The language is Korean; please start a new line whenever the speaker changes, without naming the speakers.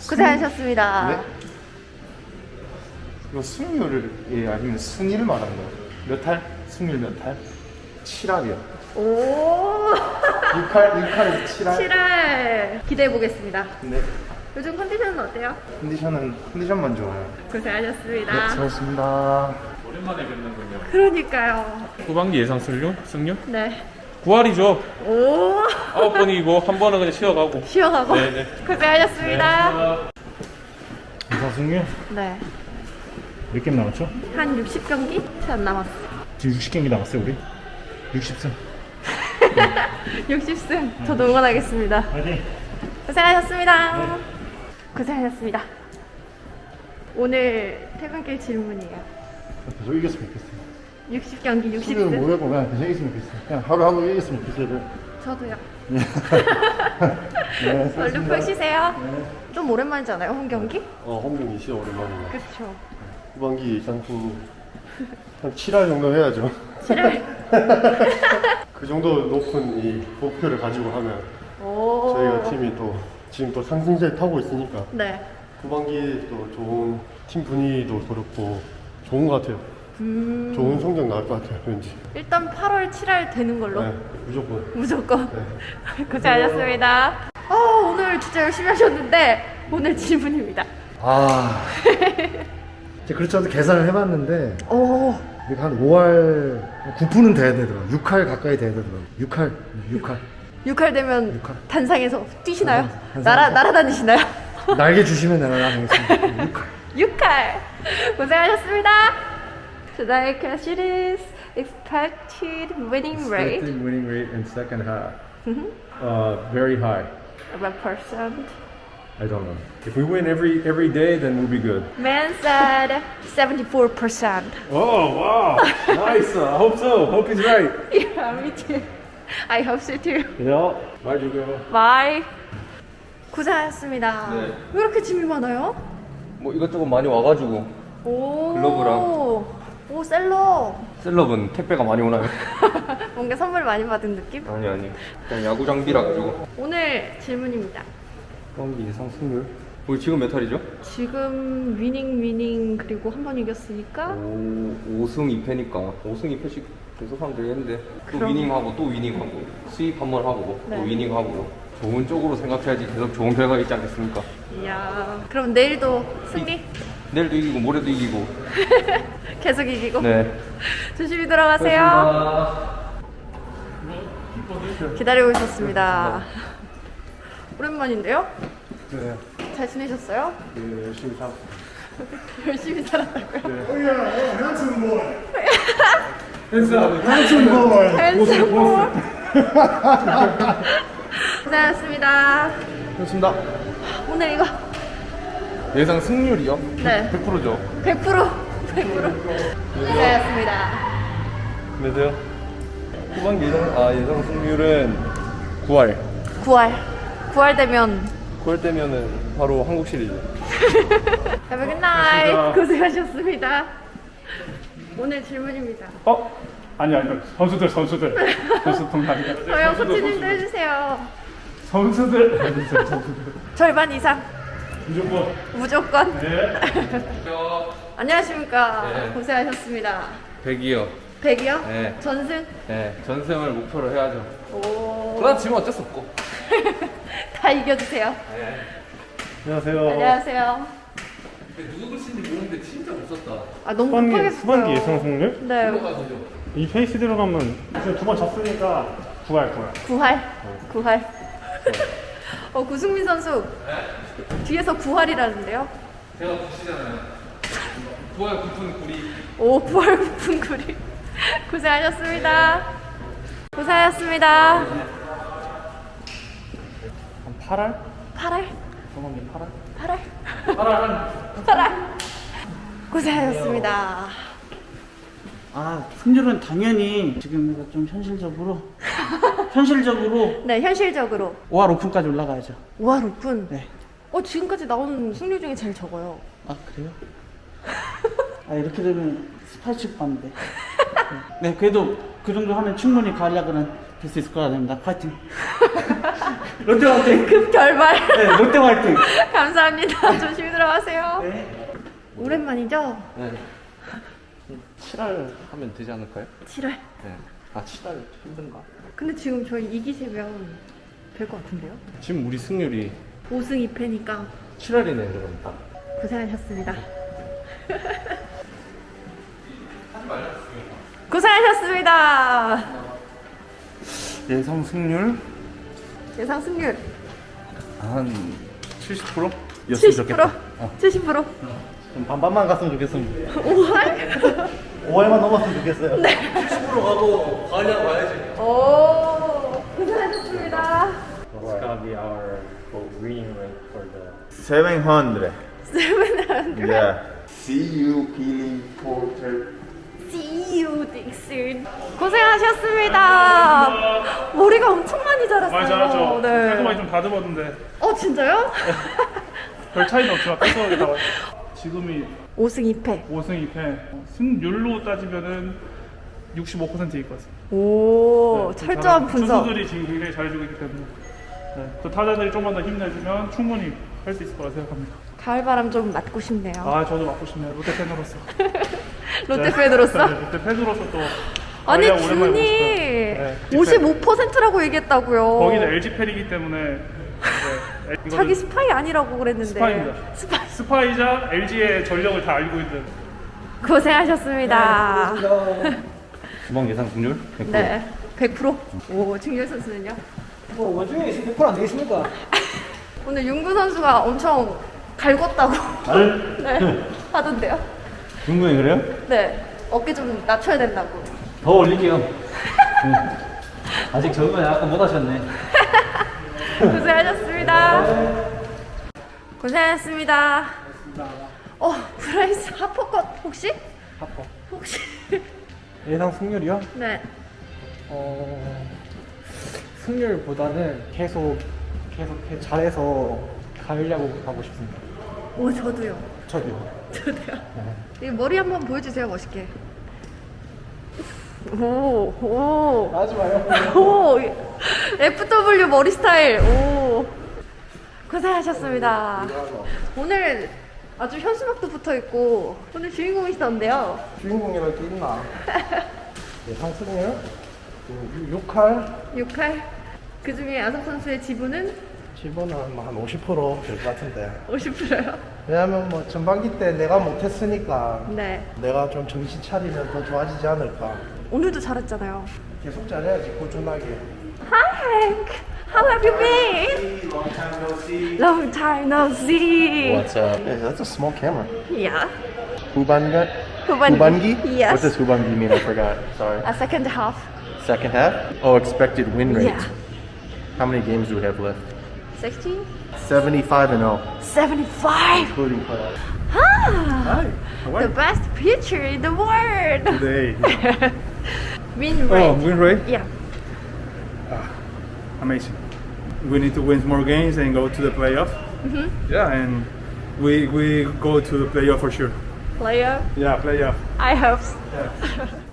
고생하셨습니다.
네? 이거 승률을 아니면 승일 말하는 거예요? 몇 할? 승률 몇 할? 7할이요.
오.
6할에서 7할?
7할 기대해 보겠습니다.
네.
요즘 컨디션은 어때요?
컨디션만 좋아요.
고생하셨습니다.
네, 수고하셨습니다.
오랜만에 뵙는군요.
그러니까요.
후반기 예상 승률?
네.
9할이죠.
오.
9번 이기고 한 번은 그냥 쉬어가고.
쉬어가고.
네네.
고생하셨습니다.
이사 승률
네.
몇 게임 남았죠?
한 60경기 채 안 남았어요.
지금 60경기 남았어요 우리? 60승
60승. 저도 응원하겠습니다.
화이팅!
고생하셨습니다. 고생하셨습니다. 오늘 퇴근길 질문이에요.
계속 이겼으면 좋겠어요.
60경기
승률
60승.
모르고 그냥 계속 이겼으면 좋겠어요. 그냥 하루하루 이겼으면 좋겠어요.
저도요.
네,
얼른 푹 쉬세요. 좀 오랜만이잖아요, 홈 경기?
홈경기 진짜 오랜만이네.
그렇죠.
후반기 상품 한 7할 정도 해야죠.
7월.
그 정도 높은 이 목표를 가지고 하면
오.
저희가 팀이 또 지금 또 상승세를 타고 있으니까
네.
후반기 또 좋은 팀 분위기도 그렇고 좋은 것 같아요. 좋은 성적 나올 것 같아요, 왠지.
일단 8월 7월 되는 걸로.
네, 무조건.
무조건.
네.
고생하셨습니다. 오늘 진짜 열심히 하셨는데 오늘 질문입니다.
이제 그렇죠. 계산을 해봤는데
오.
이게 한 5할 9푼은 돼야 되더라고요. 6할 가까이 돼야 되더라고요. 6할
6할 되면
육할.
단상에서 뛰시나요?
단상.
날아다니시나요?
날개 주시면 내가 나가겠습니다. 6할
6할. 고생하셨습니다. Today's question is expected winning rate.
Expected winning rate in second half. Very high.
What percent?
I don't know. If we win every day, then we'll be good.
Man said 74%.
Oh wow! Nice. I hope so. Hope he's right.
Yeah, me too. I hope so too.
Yeah. Bye, Jugo.
Bye. 고생하셨습니다.
네.
왜 이렇게 짐이 많아요?
뭐 이것저것 많이 와가지고.
오.
글러브랑.
오, 셀러.
셀럽은 택배가 많이 오나요?
뭔가 선물 많이 받은 느낌?
아니. 그냥 야구 장비라 가지고.
오늘 질문입니다.
후반기 예상 승률? 우리 지금 몇 할이죠?
지금 위닝 그리고 한 번 이겼으니까
5승 2패니까 5승 2패씩 계속 하면 되겠는데 또
그럼.
위닝하고 또 위닝하고 수입 한 번 하고
네.
또 위닝하고 좋은 쪽으로 생각해야지 계속 좋은 결과가 있지 않겠습니까?
이야. 그럼 내일도 승리?
내일도 이기고 모레도 이기고.
계속 이기고
네.
조심히 들어가세요. 기다리고 있었습니다. 오랜만인데요?
네,
잘 지내셨어요?
열심히 사.
열심히 살았다고요? 핸드볼. 고생하셨습니다.
좋습니다.
오늘 이거
예상 승률이요?
네.
100%죠.
100% 고생하셨습니다.
안녕하세요. 후반기 예상 승률은 9할.
9할 되면
9할 때면은 바로 한국 시리즈.
Have a good night. 고생하셨습니다. 오늘 질문입니다.
아니 선수들 선수 동남이야.
저요 코치님도 해주세요.
선수들
절반 이상
무조건.
무조건.
네.
안녕하십니까.
네.
고생하셨습니다.
100이요.
100이요?
네.
전승?
네. 전승을 목표로 해야죠.
오.
그러다 지면 어쩔 수 없고.
다 이겨주세요.
안녕하세요.
안녕하세요.
누구 글씨인지 모르는데 진짜 없었다.
아 너무 급하게
후반기
했어요.
예상 승률?
네.
이 페이스 들어가면 지금 2번 졌으니까 9할 거야.
9할. 구승민 선수 뒤에서 9할이라는데요?
제가 보시잖아요. 9할 9분 9리.
오, 9할 9분 9리. 고생하셨습니다. 고생하셨습니다.
8할?
8할?
후반기 8할?
8할? 8할. 고생하셨습니다.
승률은 당연히 지금 이거 좀 현실적으로
네, 현실적으로
5할 오픈까지 올라가야죠.
5할 오픈.
네.
지금까지 나온 승률 중에 제일 적어요.
아 그래요? 이렇게 되면 스파이치 받는데. 네, 그래도 그 정도 하면 충분히 가을야구는 될 수 있을 거라 됩니다. 파이팅. 롯데 화이팅!
급 결말.
네, 롯데 화이팅!
감사합니다. 조심히 들어가세요.
네.
오랜만이죠?
네. 7할 하면 되지 않을까요?
7월.
네. 아 7할 힘든가?
근데 지금 저희 이기시면 될 것 같은데요?
지금 우리 승률이
5승 2패니까
7할이네 그럼.
고생하셨습니다. 고생하셨습니다.
예상 승률
예상 승률
한 70%?
70%? 70%?
반반만 갔으면 좋겠습니다.
5할?
5할만 넘었으면 좋겠어요.
오, 고생하셨습니다.
What's gonna be our winning rate for the
700.
700.
Yeah. See you, Peeling Porter.
See you, Dixon. 고생하셨습니다. 머리가 엄청 많이 자랐어요.
많이 자랐죠.
네.
깔끔하게 좀 다듬었는데
진짜요?
별 차이는 없지만 깔끔하게 다 지금이
5승 2패.
5승 2패 승률로 따지면은 65%일 것 같습니다.
오,
네,
철저한 분석.
투수들이 지금 굉장히 잘해주고 있기 때문에 네, 또 타자들이 좀만 더 힘내주면 충분히 할 수 있을 거라 생각합니다.
가을바람 좀 맞고 싶네요.
저도 맡고 싶네요. 롯데 팬으로서.
롯데 팬으로서.
네, 롯데 팬으로서 또
아니,
아이야, 오랜만에 보고 싶어요.
준이 55%라고 얘기했다고요.
거기는 LG 팬이기 때문에 네, 이거는
자기 스파이 아니라고 그랬는데.
스파입니다.
스파이.
스파이자 LG의 전력을 다 알고 있는
고생하셨습니다.
주방 예상 승률?
네, 100%. 오, 중열 선수는요?
원중에 100%안 되겠습니까?
오늘 윤구 선수가 엄청 갈궜다고 네, 하던데요?
중국이 그래요?
네, 어깨 좀 낮춰야 된다고.
더 올릴게요. 아직 적응을 약간 못 하셨네.
고생하셨습니다. 고생하셨습니다. 브라이스 하퍼컷 혹시?
하퍼.
혹시?
예상 승률이요?
네.
승률보다는 계속 잘해서 가려고 하고 싶습니다.
오, 저도요.
저도요.
저도요. 이 머리 한번 보여주세요, 멋있게. 오.
하지 마요.
오, FW 머리 스타일. 오. 고생하셨습니다. 오늘 아주 현수막도 붙어 있고 오늘 주인공이시던데요.
주인공이랄 게 있나? 예상 승률 6할
6할. 그 중에 아섭 선수의 지분은
지분은 한 50%될 것 같은데.
50%요.
왜냐면 뭐 전반기 때 내가 못했으니까
네.
내가 좀 정신 차리면 더 좋아지지 않을까.
오늘도 잘했잖아요.
계속 잘해야지 꾸준하게.
Hi Hank, how have you been? Long time no see.
What's up? Hey, that's a small camera.
Yeah.
Hubangi?
Hubangi? Yes.
What does Hubangi mean? I forgot. Sorry.
A second half.
Second half? Oh, expected win rate.
Yeah.
How many games do we have left?
16?
75-0,
75.
including playoffs.
Ah, the best pitcher in the world.
Today.
Win rate.
win rate?
Yeah.
amazing. We need to win more games and go to the playoff. Yeah, and we go to the playoff for sure.
Player.
Yeah, playoff.
I hope. So.